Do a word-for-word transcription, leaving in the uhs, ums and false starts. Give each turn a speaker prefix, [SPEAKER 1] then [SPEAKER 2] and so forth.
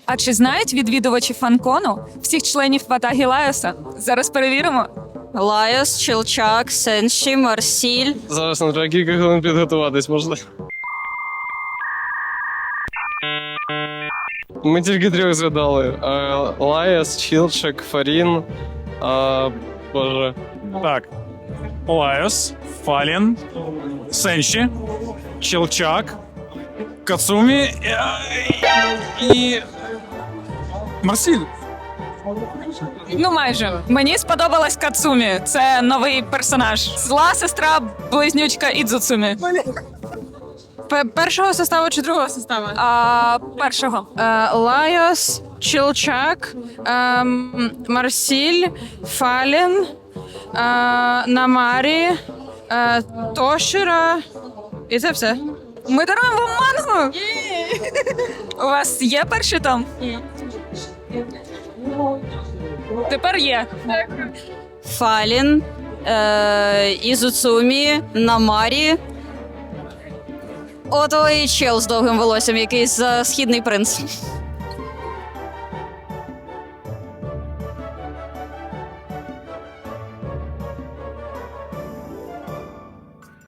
[SPEAKER 1] А чи знають відвідувачі фанкону всіх членів ватаги Лайоса? Зараз перевіримо.
[SPEAKER 2] Лайос, Чилчак, Сенші, Марсіль.
[SPEAKER 3] Зараз нам треба кілька хвилин підготуватись, можна. Ми тільки трьох згадали. Е, Лаяс, Чілчик, Фарін. А, боже.
[SPEAKER 4] Так. Лайос, Фалін, Сенші, Чилчак, Кацумі е, і Марсіль.
[SPEAKER 1] Ну, майже. Мені сподобалась Кацумі. Це новий персонаж. Зла сестра, близнючка Ідзуцумі.
[SPEAKER 5] Першого составу чи другого составу?
[SPEAKER 1] А першого.
[SPEAKER 5] Е, Лайос, Чилчак, ем, Марсіль, Фалін, е, Намарі, е, Тошіра. І це все.
[SPEAKER 1] Ми даруємо вам мангу! У вас є перший том? Ні. Тепер є.
[SPEAKER 2] Фалін, е, Ізуцумі, Намарі. Ото і чел з довгим волоссям, якийсь за східний принц.